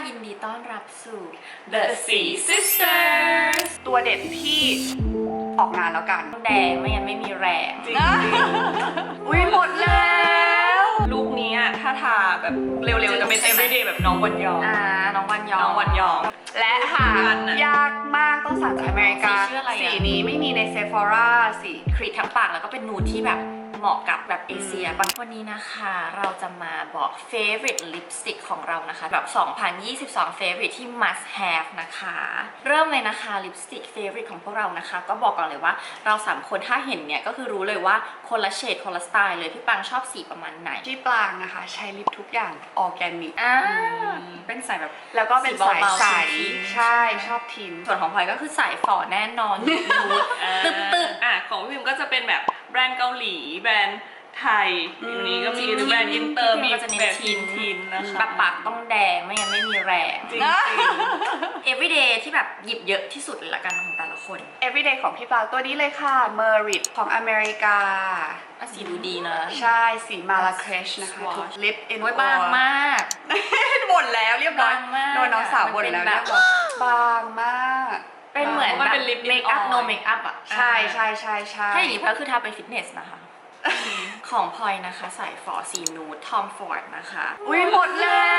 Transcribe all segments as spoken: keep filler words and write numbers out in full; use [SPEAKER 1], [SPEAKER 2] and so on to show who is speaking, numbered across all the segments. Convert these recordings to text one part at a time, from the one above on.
[SPEAKER 1] ยินดีต้อนรับสู่
[SPEAKER 2] The Sea Sisters
[SPEAKER 3] ตัวเด็ดที่ออกงานแล้วกัน
[SPEAKER 1] แดงไม่งั้นไม่มีแรง
[SPEAKER 2] จริง
[SPEAKER 3] อุ้ยหมดแล้ว
[SPEAKER 2] ลูกนี้ถ้าทาแบบเร็วๆจะเป็น everyday แบบน้องวันยอง
[SPEAKER 1] อ่าน้องวันยอง
[SPEAKER 2] น้องวันยอง
[SPEAKER 3] และหายากมากต้องสั่งจากอเมริกา
[SPEAKER 1] สีชื่ออะไรอะ
[SPEAKER 3] สีนี้ไม่มีในเซฟอร่าสี
[SPEAKER 1] ครีดทั้งปากแล้วก็เป็นนูดที่แบบเหมาะกับแบบเอเชียวันนี้นะคะเราจะมาบอก favorite lipstick ของเรานะคะแบบ สองพันยี่สิบสอง favorite ที่ must have นะคะเริ่มเลยนะคะ lipstick favorite ของพวกเรานะคะก็บอกก่อนเลยว่าเราสามคนถ้าเห็นเนี่ยก็คือรู้เลยว่าคนละเฉดคนละสไตล์เลยพี่ปังชอบสีประมาณไหน
[SPEAKER 3] ที่ปลางนะคะใช้ลิปทุกอย่างออร์แกนิก
[SPEAKER 1] อ่าเป็นสายแบบ
[SPEAKER 3] แล้วก็เป็นสาย
[SPEAKER 1] เบาๆ
[SPEAKER 3] ใส
[SPEAKER 1] ทิ้ง
[SPEAKER 3] ใช่ชอบทิน
[SPEAKER 1] ส่วนของพลอยก็คือสายฝ่อแน่นอนนูดตึ๊บตึ๊บ
[SPEAKER 2] อ่ะของพี่พิมก็จะเป็นแบบแบรนด์เกาหลีแบรนด์ไทยอยู่นี้ก็มี
[SPEAKER 1] จริงๆ
[SPEAKER 2] แบรนด์อินเตอร์มี
[SPEAKER 1] ก็จะเน้น
[SPEAKER 2] แบบ
[SPEAKER 1] ทิ
[SPEAKER 2] ทิ
[SPEAKER 1] น
[SPEAKER 2] นทินนะคะ
[SPEAKER 1] แบบปากต้องแดงไม่งั้นไม่มีแรง
[SPEAKER 2] จริง
[SPEAKER 1] everyday ที่แบบหยิบเยอะที่สุดเลยละกันของแต่ละคน
[SPEAKER 3] everyday ของพี่ปลางตัวนี้เลยค่ะ Merit ของอเมริกา
[SPEAKER 1] อ่ะสีดูดีนะ
[SPEAKER 3] ใช่สีมาลาเคชนะคะ
[SPEAKER 1] Swatch
[SPEAKER 3] ทุกลิปอิน
[SPEAKER 1] โอ้ยบางมาก
[SPEAKER 3] หมดแล้วเรียบร้อย
[SPEAKER 1] บางมาก
[SPEAKER 3] โดนน้องสาวบ่นแล้ว
[SPEAKER 1] มันเป็นแบบ
[SPEAKER 3] เรียบร้อยบางมาก
[SPEAKER 1] เป็นเหมือน
[SPEAKER 2] มัน
[SPEAKER 1] แบบ
[SPEAKER 2] เป็นลิป
[SPEAKER 1] เมคอัพ
[SPEAKER 2] oil
[SPEAKER 1] โนเมคอัพอ่ะ
[SPEAKER 3] ใช่ใช่ใช่ใช่
[SPEAKER 1] ถ้าอย่างนี้พลอยคือทาไปฟิตเนสนะคะ ของพลอยนะคะใส่ฟอร์สีนูดทอมฟอร์ดนะคะ
[SPEAKER 3] อุ้ยหมดแล้ว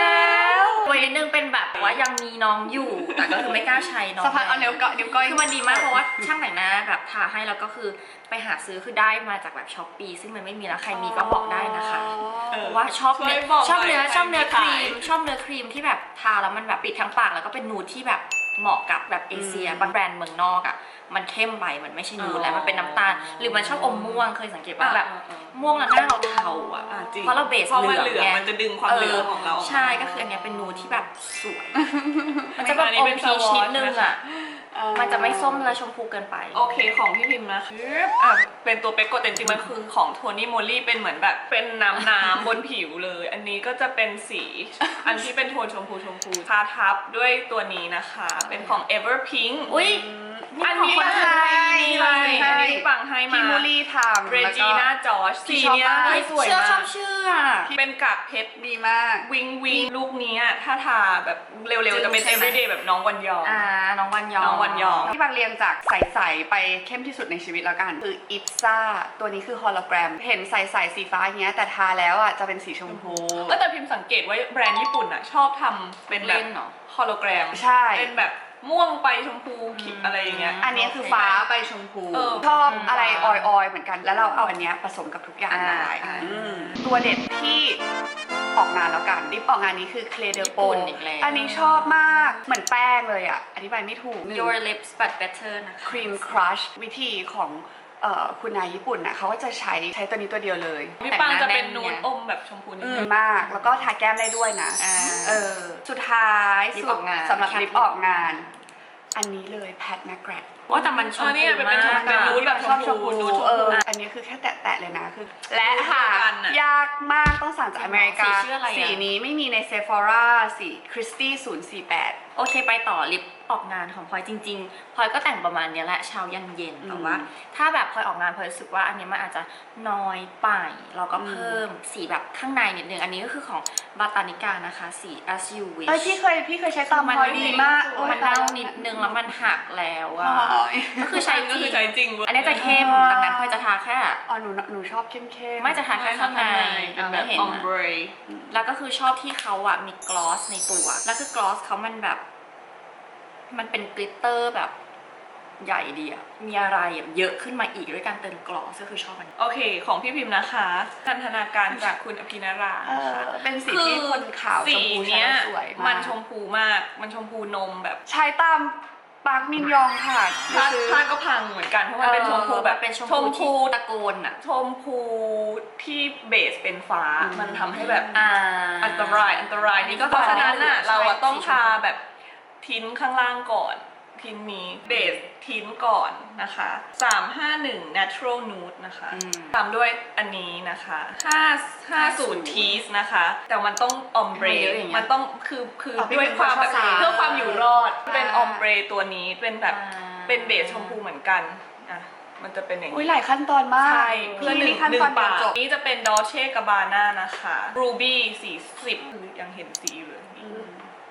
[SPEAKER 1] ไว้นิดนึงเป็นแบบว่ายังมีน้องอยู่ แต่ก็คือไม่กล้าใช้น้อง
[SPEAKER 3] สะพานเอานิ้วก้อยนิ้วก้อย
[SPEAKER 1] คือมันดีมากเพราะว่าช่างแต่งหน้าแบบทาให้แล้วก็คือไปหาซื้อคือได้มาจากแบบช้อปปี้ซึ่งมันไม่มีแล้วใครมีก็บอกได้นะคะ
[SPEAKER 2] เออ
[SPEAKER 1] เพราะว่าชอบ
[SPEAKER 2] ช่วย
[SPEAKER 1] เนื้อ
[SPEAKER 2] บอก
[SPEAKER 1] ชอบเนื้อ
[SPEAKER 2] หน่อย
[SPEAKER 1] ชอบเนื้อ
[SPEAKER 2] ใค
[SPEAKER 1] ค
[SPEAKER 2] รมี
[SPEAKER 1] รีม
[SPEAKER 2] ขาย
[SPEAKER 1] ชอบเนื้อครีมที่แบบทาแล้วมันแบบปิดทั้งปากแล้วก็เป็นนูดที่แบบเหมาะกับแบบเอเชียบางแบรนด์เมืองนอกอ่ะมันเข้มไปมันไม่ใช่นูดแล้วมันเป็นน้ำตาลหรือมันชอบอมม่วงเคยสังเกตว่าแบบ ม่วงแล้วหน้าเราเทาอ่ะ
[SPEAKER 2] อ่ะจริง
[SPEAKER 1] เพราะเราเบส
[SPEAKER 2] เพราะ
[SPEAKER 1] เห
[SPEAKER 2] มัน
[SPEAKER 1] ลือง
[SPEAKER 2] เหลือง
[SPEAKER 1] ไง
[SPEAKER 2] มันจะดึงความเหลืองของเรา
[SPEAKER 1] ใช่ก็คืออันเนี้ยเป็นนูดที่แบบสวย มันจะแบบ
[SPEAKER 2] อันนี้
[SPEAKER 1] อม
[SPEAKER 2] เป็น
[SPEAKER 1] พีช
[SPEAKER 2] Swatch
[SPEAKER 1] นิดนึงอ่ะ
[SPEAKER 3] เออ
[SPEAKER 1] มันจะไม่ส้มและชมพูเกินไป
[SPEAKER 2] โอเคของพี่พิมพ์นะอ่ะเป็นตัวเป๊กกดแต่จริงๆมันคือของโทนี่โมลี่เป็นเหมือนแบบเป็นน้ำน้ำ บนผิวเลย อันนี้ก็จะเป็นสี อันที่เป็นโทนชมพูชมพูทาทับด้วยตัวนี้นะคะเป็นของ Everpink
[SPEAKER 1] อุ้ย
[SPEAKER 2] อันนี้
[SPEAKER 1] ของคนไทย
[SPEAKER 2] นี่เลยอันนี้ที่ปังให้มา
[SPEAKER 3] พี่มูลี่ทำ
[SPEAKER 2] เร
[SPEAKER 3] แล้ว
[SPEAKER 2] จี
[SPEAKER 3] ก็
[SPEAKER 2] น่าจอร์จสีเนี้ย
[SPEAKER 3] ชอบมาก
[SPEAKER 2] สวย
[SPEAKER 1] เชื่อชอ
[SPEAKER 2] มา
[SPEAKER 1] บ
[SPEAKER 2] ก
[SPEAKER 1] เชื่อ
[SPEAKER 2] เป็นกากเพชร
[SPEAKER 3] ดีมาก
[SPEAKER 2] วิงวิงลูกนี้ถ้าทาแบบเร็วๆจะเป็น
[SPEAKER 1] ใช่ไหม
[SPEAKER 2] everyday แบบน้องวันยอง
[SPEAKER 1] อ่าน้องวันยอง
[SPEAKER 2] น้องวันยอง
[SPEAKER 3] ที่บางเรียงจากใสๆไปเข้มที่สุดในชีวิตแล้วกัน คืออิปซ่าตัวนี้คือฮอลโลแกรม เห็นใสๆสีฟ้าอย่างเงี้ยแต่ทาแล้วอ่ะจะเป็นสีชมพู
[SPEAKER 2] เออแต่พิมพ์สังเกตว่าแบรนด์ญี่ปุ่นอ่ะชอบทำเป็นแบ
[SPEAKER 1] เล่
[SPEAKER 2] บ
[SPEAKER 1] นเหรอ
[SPEAKER 2] ฮอลโลแกรม
[SPEAKER 3] ใช่
[SPEAKER 2] เป็นแบบม่วงไปชมพูขีดอะไรอย่างเงี้ย
[SPEAKER 3] อันนี้คือฟ้าไปชมพู
[SPEAKER 2] เออ
[SPEAKER 3] ชอบ
[SPEAKER 1] อืม
[SPEAKER 3] อะไรออยๆเหมือนกัน แล้วเราเอาอันเนี้ยผสมกับทุกอย่าง
[SPEAKER 1] อ่า
[SPEAKER 3] ได้
[SPEAKER 1] อ่า
[SPEAKER 3] อืมตัวเด็ดที่ออกงานแล้วกันลิปออกงานนี้คือเคลเดโป
[SPEAKER 1] ญี่ปุ่นอีกแล้ว
[SPEAKER 3] อันนี้ชอบมากเหมือนแป้งเลยอ่ะอธิบายไม่ถูก
[SPEAKER 1] Your lips but better นะคะ
[SPEAKER 3] ครีมครัชวิธีของเอ่อคุณนายญี่ปุ่นน่ะเขาก็จะใช้ใช้ตัวนี้ตัวเดียวเลย
[SPEAKER 2] พี่ปังจะเป็น
[SPEAKER 1] แต่งหน้าแน่น
[SPEAKER 2] นูด
[SPEAKER 1] ไง
[SPEAKER 2] อมแบบชมพูนิด
[SPEAKER 3] อื
[SPEAKER 2] นึ
[SPEAKER 3] ม
[SPEAKER 2] ง
[SPEAKER 3] มากแล้วก็ทาแก้มได้ด้วยนะ
[SPEAKER 1] อ่า
[SPEAKER 3] เออสุดท้าย
[SPEAKER 1] ลิป
[SPEAKER 3] สุ
[SPEAKER 1] อ
[SPEAKER 3] ด
[SPEAKER 1] อกงาน
[SPEAKER 3] สำหรับ
[SPEAKER 1] แค่
[SPEAKER 3] ลิปออกงาน อันนี้เลยแพทแมกแกรด
[SPEAKER 1] ว่าแต่มันช
[SPEAKER 2] เอ
[SPEAKER 1] ม
[SPEAKER 2] อนี่
[SPEAKER 1] พู
[SPEAKER 2] ไงเป็น
[SPEAKER 1] มา
[SPEAKER 2] ชม
[SPEAKER 1] ก
[SPEAKER 2] เป็น
[SPEAKER 1] อะ
[SPEAKER 2] นูดแบบ
[SPEAKER 3] ชอบช
[SPEAKER 2] ช
[SPEAKER 3] ม
[SPEAKER 2] ม
[SPEAKER 3] พู
[SPEAKER 2] พูนูดชม
[SPEAKER 3] เอ
[SPEAKER 2] พู
[SPEAKER 3] ออันนี้คือแค่แตะๆเลยนะคือ และหา
[SPEAKER 2] กันอะ
[SPEAKER 3] ยากมากต้องสั่งจากอเมริกา
[SPEAKER 1] สีชื่ออะไรอะ
[SPEAKER 3] สีนี้ไม่มีในเซฟอร่าสีคริสตี้ศูนย์สี่แปด
[SPEAKER 1] โอเคไปต่อลิปออกงานของพลอยจริงๆพลอยก็แต่งประมาณเนี้ยแหละเช้ายันเย็น
[SPEAKER 3] อืม
[SPEAKER 1] แต่ว่า ถ้าแบบพลอยออกงานพลอยรู้สึกว่าอันนี้มันอาจจะน้อยไปเราก็เพิ่มสีแบบข้างในนิดนึงอันนี้ก็คือของบาตานิกานะคะสี as you wish
[SPEAKER 3] เอ้ยพี่เคยพี่เคยใช้ตาม
[SPEAKER 1] มัน
[SPEAKER 3] พลอยดีมากโอ้ย
[SPEAKER 1] มันเน่านิดนึงแล้วมันหักแล้วอะ
[SPEAKER 3] โอ้ย
[SPEAKER 1] ก็คือใช้จ
[SPEAKER 2] ก็
[SPEAKER 1] ริ
[SPEAKER 2] คือง ใช้จริงเว้ย
[SPEAKER 1] อันนี้จะเข้มดังนั้นพลอยจะทาแค่
[SPEAKER 3] อ๋อหนูหนูชอบเข้มเข้ม
[SPEAKER 1] ไม่จะทาแค่ข้างใน
[SPEAKER 2] เป็นแบบ
[SPEAKER 1] เห็น
[SPEAKER 2] ออม
[SPEAKER 1] นะ
[SPEAKER 2] เบร
[SPEAKER 1] แล้วก็คือชอบที่เขาอะมีกลอสในตัว แล้วคือกลอสเขามันแบบ มันเป็นกลิตเตอร์แบบใหญ่ดีอะมีอะไรอะเยอะขึ้นมาอีกด้วยการเติมกลอสก็คือชอบมัน
[SPEAKER 2] โอเคของพี่พิมพ์นะคะพันธนาการจากคุณอภินารา
[SPEAKER 3] เอ
[SPEAKER 2] นะ
[SPEAKER 3] อ
[SPEAKER 2] คะ
[SPEAKER 3] เป็นสีที่คนขาวช
[SPEAKER 2] สี
[SPEAKER 3] มพูใช้
[SPEAKER 2] เนี้ย
[SPEAKER 3] แล้วสวยมาก
[SPEAKER 2] มันชมพูมาก มันชมพูนมแบบ
[SPEAKER 3] ใช้ตามปาร์คมินยองค่ะ
[SPEAKER 2] ผ้า
[SPEAKER 3] ซื้อ
[SPEAKER 2] ผ้าก็พังเหมือนกันเพราะมันเป็นชมพูแบบ
[SPEAKER 1] เป็นชม
[SPEAKER 2] ช
[SPEAKER 1] พู
[SPEAKER 2] ม
[SPEAKER 1] ที่
[SPEAKER 2] พู
[SPEAKER 1] ตะโกนอะ
[SPEAKER 2] ชมพูที่เบสเป็นฟ้า มันทำให้แบบ
[SPEAKER 1] อ่า
[SPEAKER 2] อันตรายอันตรายนี่ก็เพราะฉะนั้นน่ะเราอะต้องทาแบบทิ้นข้างล่างก่อนทิ้นนี้เบสทิ้นก่อนนะคะสามห้าหนึ่ง natural nude นะคะ
[SPEAKER 1] อืม
[SPEAKER 2] ตามด้วยอันนี้นะคะห้า ห้าศูนย์ tease นะคะแต่มันต้อง ombre
[SPEAKER 1] มันเยอะอย่างเงี้ย
[SPEAKER 2] มันต้องคือคือ
[SPEAKER 3] เอาไป
[SPEAKER 2] ด้วยความแบบ
[SPEAKER 3] เป็นคนชอบ
[SPEAKER 2] เพื่อความอยู่รอดเป็น
[SPEAKER 3] อ่า
[SPEAKER 2] ombre ตัวนี้เป็นแบบ
[SPEAKER 1] อ่า
[SPEAKER 2] เป็นเบสชมพูเหมือนกันอ่ะมันจะเป็นอย่าง
[SPEAKER 3] อุ้ย
[SPEAKER 2] นี้
[SPEAKER 3] หลายขั้นตอนมาก
[SPEAKER 2] ใช่เพื่อหนึ่ง
[SPEAKER 3] ขั้น
[SPEAKER 2] หนึ่
[SPEAKER 3] ตอง นเดียว
[SPEAKER 2] ปาก
[SPEAKER 3] จบ
[SPEAKER 2] นี้จะเป็น Dolce Gabbana นะคะ Ruby สี่สิบคือยังเห็นสีอยู่เลย
[SPEAKER 1] มี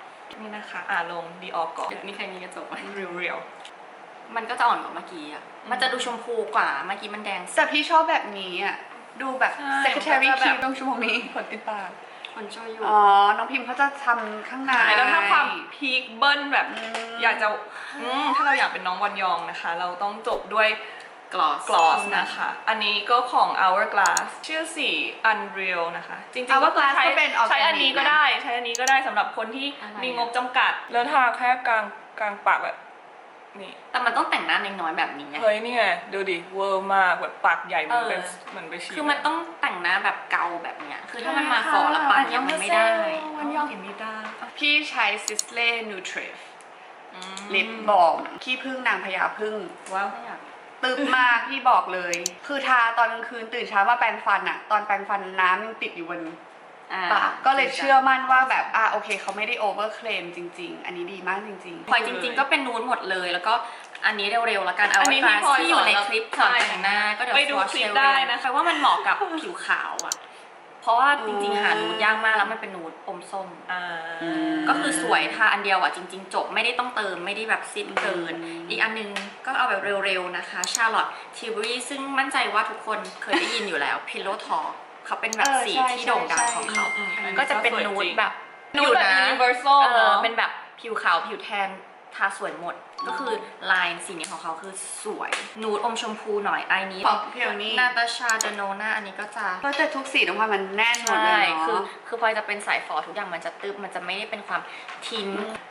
[SPEAKER 2] นี่นะคะอ่าลงดีออกก่อน
[SPEAKER 1] มีใครมีกระจกไหม
[SPEAKER 2] เรียว
[SPEAKER 1] มันก็จะอ่อนกว่าเมื่อกี้อ่ะมันจะดูชมพูกว่าเมื่อกี้มันแดง
[SPEAKER 3] แต่พี่ชอบแบบนี้อ่ะ ดูแบบ
[SPEAKER 2] ใช่
[SPEAKER 3] secretary
[SPEAKER 2] มันก็จะแบบ
[SPEAKER 3] คลิปตรงชั่วโมงนี้ขนติดปาก
[SPEAKER 1] คนช่วยอยู่
[SPEAKER 3] อ๋อ น้องพิมพ์เขาจะทำข้างใน
[SPEAKER 2] ใช่แล้วถ้าความพีคเบิ้ลแบบ
[SPEAKER 3] อืม
[SPEAKER 2] อยากจะอืมถ้าเราอยากเป็นน้องวันยองนะคะ เราต้องจบด้วย
[SPEAKER 1] gloss
[SPEAKER 2] gloss นะคะ อันนี้ก็ของ hourglass ชื่อสี unreal นะคะ จริงๆก็คือ
[SPEAKER 3] Hourglass
[SPEAKER 2] ใช้
[SPEAKER 3] ก็เป็น organic
[SPEAKER 2] ใช้อันนี้ก็ได้ ใช้อันนี้ก็ได้สำหรับคนที่
[SPEAKER 1] อะไร
[SPEAKER 2] มีงบจำกัด แล้วทาแค่กลางกลางปากแบบนี่
[SPEAKER 1] แต่มันต้องแต่งหน้าน้อยๆแบบนี้ไง
[SPEAKER 2] เฮ้ยนี่ไงดูดิเวอร์มากแบบปากใหญ่เหมือนเป็น
[SPEAKER 1] เออ
[SPEAKER 2] เหมือนไปฉีด
[SPEAKER 1] คือมันต้องแต่งหน้าแบบเกาแบบเนี้ย คือถ้ามันมาฟอแล้วปากยังมันไม่ได้
[SPEAKER 2] วันยองเห็นมีได้
[SPEAKER 3] พี่ใช้ Sisley Nutritive
[SPEAKER 1] อืม
[SPEAKER 3] ลิปบอมขี้ผึ้งนางพญาผึ้ง
[SPEAKER 2] ว้าว
[SPEAKER 1] ไม่อยาก
[SPEAKER 3] ตึบมากพี่บอกเลย คือทาตอนกลางคืนตื่นเช้ามาแปรงฟันอะตอนแปรงฟันน้ำยังติดอยู่บน
[SPEAKER 1] อ่า
[SPEAKER 3] ปากก็เลยเชื่อมั่นว่าแบบอ่ะโอเคเขาไม่ได้โอเวอร์เคลมจริง ๆ อันนี้ดีมากจริง
[SPEAKER 1] พลอยจริงๆก็เป็นนูนหมดเลย แล้วก็อันนี้เร็วๆแล้วกันเอา
[SPEAKER 2] อัน
[SPEAKER 1] ไว้
[SPEAKER 2] นี้
[SPEAKER 1] คลา
[SPEAKER 2] ที่
[SPEAKER 1] ส
[SPEAKER 2] พลอย
[SPEAKER 1] ที่อยู่ใน
[SPEAKER 2] สอน
[SPEAKER 1] คลิปสอน
[SPEAKER 2] ใช่
[SPEAKER 1] แต่งหน้าก็เดี๋ยว
[SPEAKER 2] ไปดู
[SPEAKER 1] swatch
[SPEAKER 2] คลิป
[SPEAKER 1] เร็วๆ
[SPEAKER 2] ได้นะคะ
[SPEAKER 1] เพราะว่ามันเหมาะกับผิวขาวอ่ะ เพราะว่าจริงๆหานูดยากมากแล้วมันเป็นนูดอมส้ม
[SPEAKER 2] อ่า
[SPEAKER 1] ก็คือสวยทาอันเดียวอ่ะจริง ๆ จบไม่ได้ต้องเติมไม่ได้แบบซิดเกิน
[SPEAKER 3] อืม
[SPEAKER 1] อีกอันนึงก็เอาแบบเร็วๆนะคะชาร์ลอตทิวบรีซึ่งมั่นใจว่าทุกคนเคยได้ยินอยู่แล้ว Pillow Talk เขาเป็นแบบสีที่โด่งดังของเขา
[SPEAKER 2] อืมอืม
[SPEAKER 1] ก็จะเป็นนูดแบบ
[SPEAKER 2] นูดแบบ
[SPEAKER 1] อยู่นะ
[SPEAKER 2] universal
[SPEAKER 1] เอ
[SPEAKER 2] เน
[SPEAKER 1] อ
[SPEAKER 2] อะ
[SPEAKER 1] เป็นแบบผิวขาวผิวแทนทาสวยหมด ก็คือลายสีนี้ของเขาคือสวย นูดอมชมพูหน่อยไอนี้
[SPEAKER 3] ของเพียวนี่
[SPEAKER 1] นาตาชาเดโนนาอันนี้ก็จะ
[SPEAKER 3] ๆก็แต่ทุกสีตรงความมันแน่นหมดเล
[SPEAKER 1] ใช่
[SPEAKER 3] ย
[SPEAKER 1] คือ
[SPEAKER 3] เนาะ
[SPEAKER 1] คือพลอยจะเป็นสายฟอทุกอย่างมันจะตึบมันจะไม่ได้เป็นความทิ้ง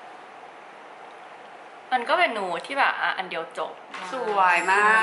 [SPEAKER 1] มันก็เป็นนูดที่แบบอ่ะอันเดียวจบ
[SPEAKER 3] สวยมาก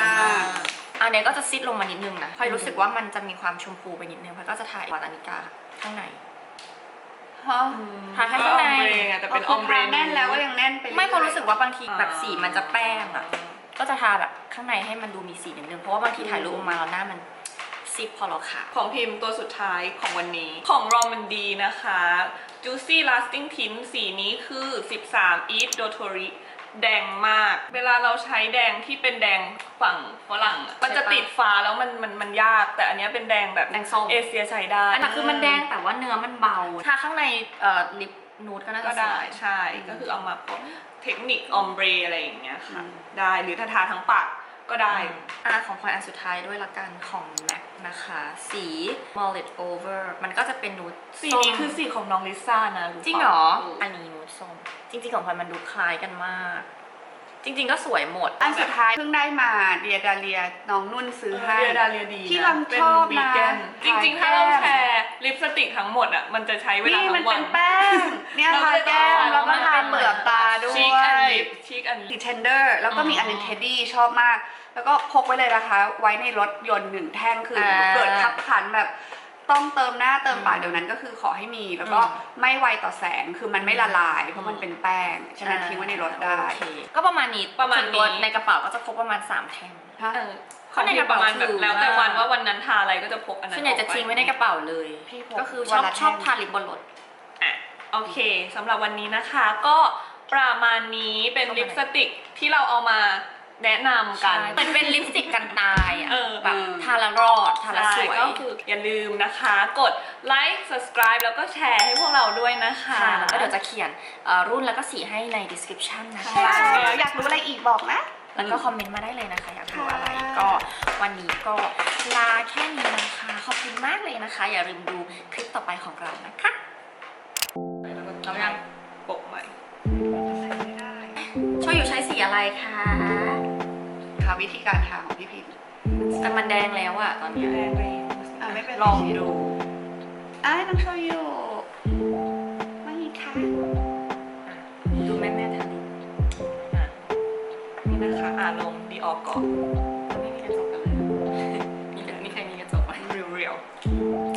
[SPEAKER 1] อันเนี้ยก็จะซิดลงมานิดนึงนะพลอยรู้สึกว่ามันจะมีความชมพูไปนิดนึงพลอยก็จะถ่ายวาตานิกาข้างใน
[SPEAKER 3] ฮะ
[SPEAKER 1] ทาแค่ข้างใน
[SPEAKER 2] ก็ ombre ไงแต่เป็นอ
[SPEAKER 3] อ
[SPEAKER 2] อมเบร
[SPEAKER 3] แน่นแล้วก็ยังแน่นไป
[SPEAKER 1] ไม่เพราะ
[SPEAKER 3] อยๆ
[SPEAKER 1] รู้สึกว่าบางทีแบบสีมันจะแป้งอ่ะ ก็จะทาแบบข้างในให้มันดูมีสีนิดนึง เพราะว่าบางทีถ่ายรูปออกมาแล้วหน้ามันซิปพอเราขาว
[SPEAKER 2] ของพิมพ์ตัวสุดท้ายของวันนี้ของรอมันดีนะคะ Juicy Lasting Tint สีนี้คือสิบสาม Eat Dotori แดงมาก เวลาเราใช้แดงที่เป็นแดงฝั่งฝรั่งอะมันจะติดฟ้าแล้วมันมันมันยาก แต่อันเนี้ยเป็นแดงแบบ
[SPEAKER 1] แดงส้ม
[SPEAKER 2] เอเชียใช้ได้
[SPEAKER 1] อันนั้นคือมันแดงแต่ว่าเนื้อมันเบา ทาข้างในเอ่อลิปนูดก็น่า
[SPEAKER 2] ก็
[SPEAKER 1] จะส
[SPEAKER 2] ได้
[SPEAKER 1] วย
[SPEAKER 2] ใช่ก็คือเอามาพกเทคนิคออมเบรอะไรอย่างเงี้ยค่ะ ได้หรือถ้าทาทั้งปากก็ได้
[SPEAKER 1] อ่ะของพลอยอันสุดท้ายด้วยละกันของ MAC นะคะ สี Mullet Over มันก็จะเป็นนูด
[SPEAKER 2] สี
[SPEAKER 1] ส้ม
[SPEAKER 2] นี้คือสีของน้องลิซ่านะป
[SPEAKER 1] จริงเหรอ
[SPEAKER 2] เ
[SPEAKER 1] อันนี้นูดส้ม จริงๆของพลอยมันดูคล้ายกันมาก จริง ๆ ก็สวยหมด
[SPEAKER 3] อันสุดท้ายเพิ่งได้มาเดียดาเลียน้องนุ่นซื้อให้
[SPEAKER 2] เรียดาเรียดี
[SPEAKER 3] ที่
[SPEAKER 2] นะ
[SPEAKER 3] เรา
[SPEAKER 2] เป็น
[SPEAKER 3] ชอบ
[SPEAKER 2] วี
[SPEAKER 3] นะ
[SPEAKER 2] แกนจริงๆ ถ้าเราแชร์ลิปสติกทั้งหมดอ่ะมันจะใช้เวลา
[SPEAKER 3] นี่มั
[SPEAKER 2] ทั้
[SPEAKER 3] น
[SPEAKER 2] งวั
[SPEAKER 3] เป็น นแป้ง เนี่ย
[SPEAKER 2] เรา
[SPEAKER 3] ทา
[SPEAKER 2] ไม่ได้
[SPEAKER 3] แก้ม
[SPEAKER 2] ทา
[SPEAKER 3] แล้วก็
[SPEAKER 2] เราไม่
[SPEAKER 3] ทา
[SPEAKER 2] ได้
[SPEAKER 3] เปลือกตาด้ว
[SPEAKER 2] ชิคอัน
[SPEAKER 3] ย
[SPEAKER 2] ลิปชิคอันลิ
[SPEAKER 3] สี
[SPEAKER 2] ป
[SPEAKER 3] เทนเดอร์แล้วก็มีอันนึงเทดดี้ชอบมาก แล้วก็พกไว้เลยนะคะ ไว้ในรถยนต์หนึ่งแท่งคืออา เกิดขับขันแบบต้องเติมหน้าเติมปากเดี๋ยวนั้นก็คือขอให้มี แล้วก็
[SPEAKER 1] อืม
[SPEAKER 3] ไม่ไวต่อแสงคือมันไม่ละลาย เพราะมันเป็นแป้ง ฉะนั้นทิ้งไว้ในรถได้
[SPEAKER 1] โอเคก็ประมาณนี้
[SPEAKER 2] ประมาณนี้
[SPEAKER 1] ส่วนตัวในกระเป๋าก็จะพกประมาณสามแท่ง
[SPEAKER 3] ฮะ
[SPEAKER 2] เออ
[SPEAKER 1] ข้างในกระ
[SPEAKER 2] ป
[SPEAKER 1] เป๋า
[SPEAKER 2] ระมาณแบบ
[SPEAKER 1] ถือ
[SPEAKER 2] แล้วแต่
[SPEAKER 1] ว่า
[SPEAKER 2] วันว่าวันนั้นทาอะไรก็จะพกอันนั้น
[SPEAKER 1] ส่วนใหญ่จะ
[SPEAKER 2] ออกป
[SPEAKER 1] ทิ้งไว้ในกระเป๋าเลย
[SPEAKER 3] พี่พก
[SPEAKER 1] ก็คือช
[SPEAKER 3] วั
[SPEAKER 1] อน บ
[SPEAKER 3] ละแท่ง
[SPEAKER 1] ชอบทาลิปบนรถ
[SPEAKER 2] อ่ะโอเคสำหรับวันนี้นะคะก็ประมาณนี้เป็นลิปสติกที่เราเอามาแนะนำกัน
[SPEAKER 1] เหมือนเป็นลิปสติกกันตายอ่ะ
[SPEAKER 2] เออ
[SPEAKER 1] แบบทาละรอด ทาละสวย
[SPEAKER 2] ก็คืออย่าลืมนะคะ กดไลค์ subscribe แล้วก็แชร์ให้พวกเราด้วยนะคะ
[SPEAKER 1] ค่ะแล้วก็เดี๋ยวจะเขียนเอ่อรุ่นแล้วก็สีให้ใน description นะคะ
[SPEAKER 3] ใช่แล้วอยากรู้อะไรอีกบอกนะ
[SPEAKER 1] แล้วก็คอมเมนต์มาได้เลยนะคะ อยากรู้อะไร
[SPEAKER 3] ค่ะ
[SPEAKER 1] ก็วันนี้ก็ลาแค่นี้นะคะ ขอบคุณมากเลยนะคะ อย่าลืมดูคลิปต่อไปของเรานะคะ
[SPEAKER 2] แล้วก็
[SPEAKER 1] เอายัง
[SPEAKER 2] ปกใหม่
[SPEAKER 3] ไม่ได้
[SPEAKER 1] ช่วยอยู่ใช้สีอะไรคะ
[SPEAKER 3] ค่ะวิธีการทาของพี่พิมพ์
[SPEAKER 1] แต่มันแดงแล้วอะตอนเนี้ย
[SPEAKER 3] อ่ะไม่เป็นไร
[SPEAKER 2] ลองดู
[SPEAKER 3] อ่ะน้องโชยุไม่ค่ะ
[SPEAKER 1] ดูแม่แม่ๆทาลิป
[SPEAKER 2] อ่ะนี่นะคะอ่าลงดีออกก่อน
[SPEAKER 1] ไม่มีกระจกกันเลย มีแต่มีใครมีกระจกไหม
[SPEAKER 2] เรียวๆ